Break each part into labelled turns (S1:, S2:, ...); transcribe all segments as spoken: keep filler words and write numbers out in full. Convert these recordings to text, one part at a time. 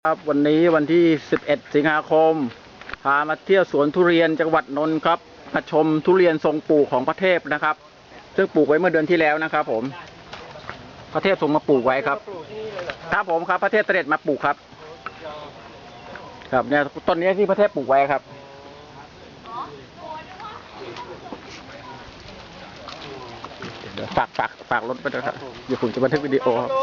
S1: ครับวันนี้วันที่สิบเอ็ดสิงหาคมพามาเที่ยวสวนทุเรียนจังหวัดนนท์ครับมาชมทุเรียนทรงปลูกของพระเทพนะครับซึ่งปลูกไว้เมื่อเดือนที่แล้วนะครับผมพระเทพส่งมาปลูกไว้ครับครับผมครับพระเทพเสด็จมาปลูกครับครับเนี่ยต้นนี้ที่พระเทพปลูกไว้ครับเดี๋ยวฝากฝากฝากรถไปด้วยครับเดี๋ยวผมจะบันทึกวิดีโอครับ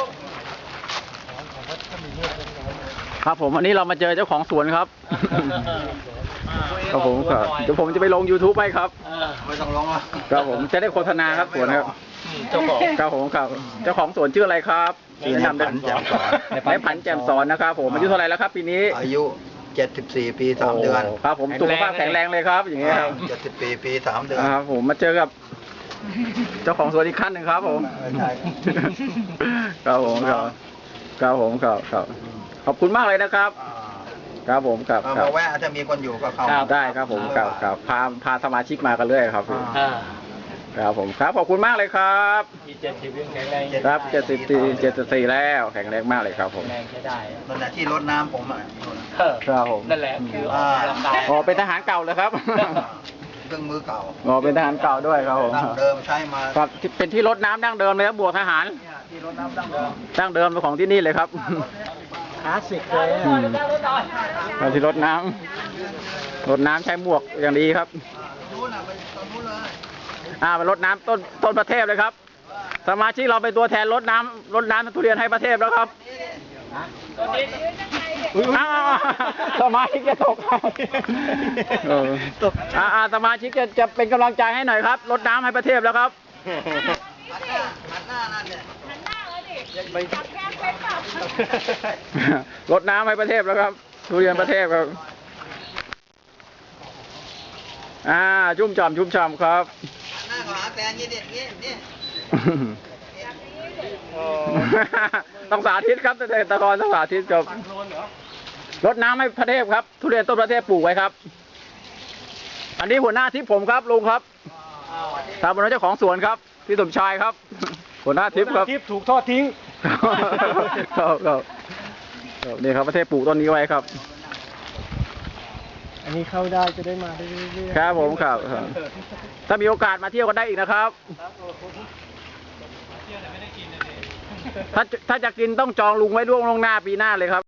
S1: ครับผมวันนี้เรามาเจอเจ้าของสวนครับครับผมครับเดี๋ยวผมจะไปลง ยูทูบ ให้ครับ
S2: ไม่ต้องลงอ่ะ
S1: ครับผมจะได้โฆษณาครับสวนครับ
S2: เจ้าของ
S1: ครับผมครับเจ้าของสวนชื่ออะไรครับ
S2: ชื่อนายผันแจ่มสอน
S1: นายผันแจ่มสอนนะครับผมอายุเท่าไหร่แล้วครับปีนี้
S2: อายุเจ็ดสิบสี่ปีสามเดือน
S1: ครับผมสุขภาพแข็งแรงเลยครับอย่างเงี้ยครับ
S2: เจ็ดสิบปีปีสามเดือน
S1: ครับผมมาเจอกับเจ้าของสวนอีกขั้นหนึ่งครับผมครับผมครับครับผมครับครับขอบคุณมากเลยนะครับครับผมครับ
S2: มาแวะจะมีคนอยู่ก็เข้า
S1: ได้ครับผมครับครับพาพาสมาชิกมากันเรื่อยครับครับผมครับขอบคุณมากเลยครับ
S3: เจ็ดสิบยังแข็งแรง
S1: ครับเจ็ดสิบสี่เจ็ดสิบสี่แล้วแข็งแรงมากเลยครับผม
S3: แรงใช้ได้
S2: นั่นแหละที่รดน้ำผมอ่ะ
S1: ครับผม
S3: นั่นแหละคือออกกำลังกาย
S1: อ๋อเป็นทหารเก่าเลยครับ
S2: เครื่องมือเก่า
S1: อ๋อเป็นทหารเก่าด้วยครับผม
S2: ดั้งเดิมใช้มา
S1: ครับเป็นที่รดน้ำดั้งเดิมเลยครับบวกทหาร
S2: ที่รดน้ำดั้งเดิม
S1: ดั้งเดิมเป็นของที่นี่เลยครับ
S3: คลาสสิกเลย
S1: ที่รดน้ำรดน้ำใช้หมวกอย่างดีครับอ่าไปรดน้ำต้นต้นประเทศเลยครับสมาชิกเราเป็นตัวแทนรดน้ำรดน้ำทุเรียนให้ประเทศแล้วครับอ้าวสมาชิกจะตกอ่าอ่าสมาชิกจะจะเป็นกำลังใจให้หน่อยครับรดน้ำให้ประเทศแล้วครับ
S2: หันหน้านั่นเนี่ยหันหน้าเลยดิจับแก้มเป็นตับ
S1: รดน้ำให้ประเทศแล้วครับทุเรียนประเทศครับอ่าชุ่มฉ่ำชุ่มฉ่ำครับ
S2: หน้าขวาแฟนยี่เด็ดยี่นี่
S1: ต้องสาธิตครับเกษตรกรต้องสาธิตจบรดน้ำให้ประเทศครับทุเรียนต้นประเทศปลูกไว้ครับอันนี้หัวหน้าทิพย์ผมครับลุงครับทางบริษัทเจ้าของสวนครับพี่สมชายครับหัวหน้าทิพย์ครับ
S3: ทิพย์ถูกทอดทิ้ง
S1: ครับครับนี่ครับประเทศปลูกต้นนี้ไว้ครับ
S3: อันนี้เข้าได้จะได้มาได้เรื่อย
S1: ๆครับผมครับถ้ามีโอกาสมาเที่ยวกันได้อีกนะครับถ้าถ้าจะกินต้องจองลุงไว้ล่วงล่วงหน้าปีหน้าเลยครับ